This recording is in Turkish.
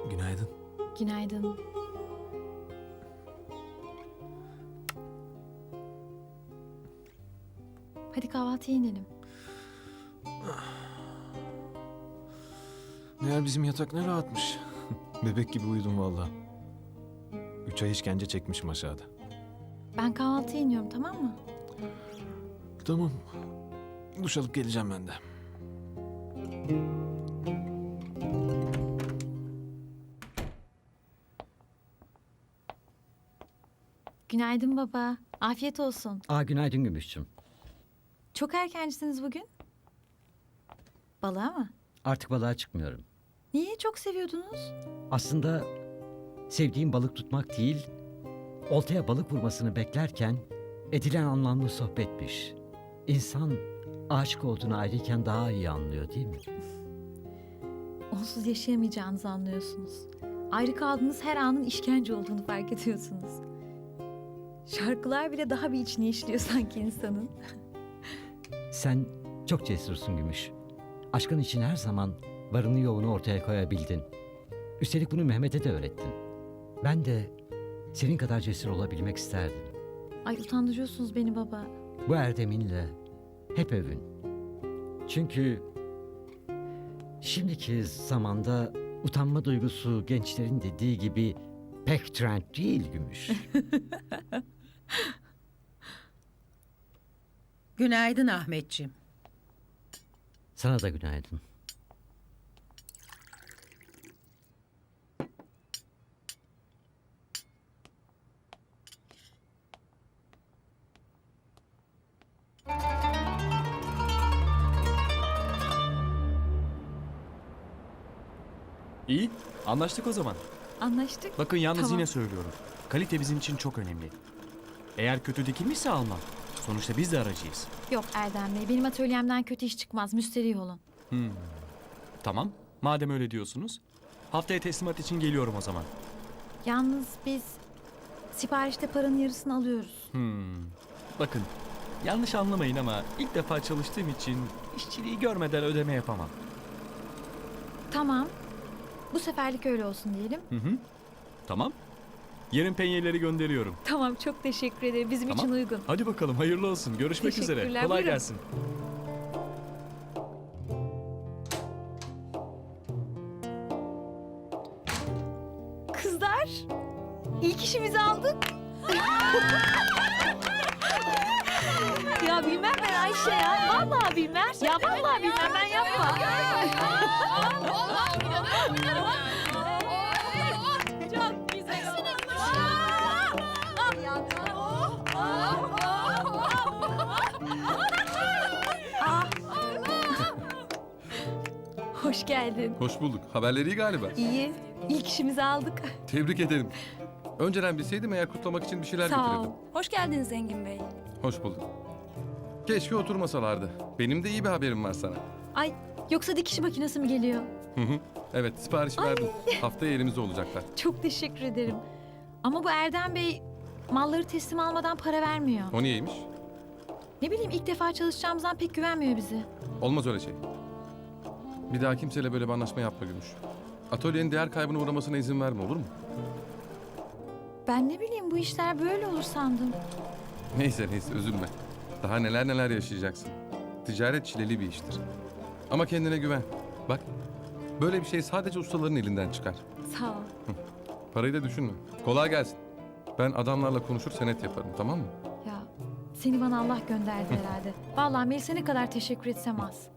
Günaydın. Günaydın. Hadi kahvaltıya inelim. Meğer bizim yatak ne rahatmış. Bebek gibi uyudum vallahi. 3 ay işkence çekmişim aşağıda. Ben kahvaltıya iniyorum, tamam mı? Tamam. Duş alıp geleceğim ben de. Günaydın baba. Afiyet olsun. Günaydın Gümüşçüm. Çok erkencisiniz bugün. Balığa mı? Artık balığa çıkmıyorum. Niye? Çok seviyordunuz. Aslında sevdiğim balık tutmak değil, oltaya balık vurmasını beklerken edilen anlamlı sohbetmiş. İnsan aşık olduğunu ayrıyken daha iyi anlıyor değil mi? Onsuz yaşayamayacağınızı anlıyorsunuz. Ayrı kaldığınız her anın işkence olduğunu fark ediyorsunuz. Şarkılar bile daha bir içine işliyor sanki insanın. Sen çok cesursun Gümüş. Aşkın için her zaman varını yoğunu ortaya koyabildin. Üstelik bunu Mehmet'e de öğrettin. Ben de senin kadar cesur olabilmek isterdim. Ay utandırıyorsunuz beni baba. Bu erdeminle hep övün. Çünkü şimdiki zamanda utanma duygusu gençlerin dediği gibi pek trend değil Gümüş. Günaydın Ahmetciğim. Sana da günaydın. İyi, anlaştık o zaman. Anlaştık. Bakın yalnız Tamam. yine söylüyorum. Kalite bizim için çok önemli. Eğer kötü dikilmişse almam. Sonuçta biz de aracıyız. Yok Erdem Bey, benim atölyemden kötü iş çıkmaz. Müşteri olun. Tamam, madem öyle diyorsunuz. Haftaya teslimat için geliyorum o zaman. Yalnız biz siparişte paranın yarısını alıyoruz. Bakın, yanlış anlamayın ama ilk defa çalıştığım için işçiliği görmeden ödeme yapamam. Tamam. Bu seferlik öyle olsun diyelim. Tamam. Yarın penyeleri gönderiyorum. Tamam, çok teşekkür ederim. Bizim Tamam. için uygun. Hadi bakalım, hayırlı olsun. Görüşmek üzere. Teşekkürler, Kolay buyurun. gelsin. Kızlar, ilk işimizi aldık. Ya bilmem ben Ayşe ya. Vallahi bilmem. Ya vallahi bilmem ben yapma. Çok güzel olmuş. Hoş geldin. Hoş bulduk. Haberleri iyi galiba. İyi. İlk işimizi aldık. Tebrik ederim. Önceden bilseydim eğer kutlamak için bir şeyler Sağ ol. getirirdim. Hoş geldiniz Zengin Bey. Hoş bulduk. Keşke oturmasalardı. Benim de iyi bir haberim var sana. Ay, yoksa dikiş makinesi mi geliyor? Evet, sipariş verdim. Haftaya elimizde olacaklar. Çok teşekkür ederim. Ama bu Erdem Bey malları teslim almadan para vermiyor. O niyeymiş? Ne bileyim, ilk defa çalışacağımızdan pek güvenmiyor bize. Olmaz öyle şey. Bir daha kimseyle böyle bir anlaşma yapma Gümüş. Atölyenin değer kaybına uğramasına izin verme, olur mu? Ben ne bileyim, bu işler böyle olur sandım. Neyse üzülme. Daha neler neler yaşayacaksın. Ticaret çileli bir iştir. Ama kendine güven. Bak, böyle bir şey sadece ustaların elinden çıkar. Sağ ol. Parayı da düşünme. Kolay gelsin. Ben adamlarla konuşur senet yaparım, tamam mı? Ya seni bana Allah gönderdi herhalde. Vallahi Melis'e ne kadar teşekkür etsem az.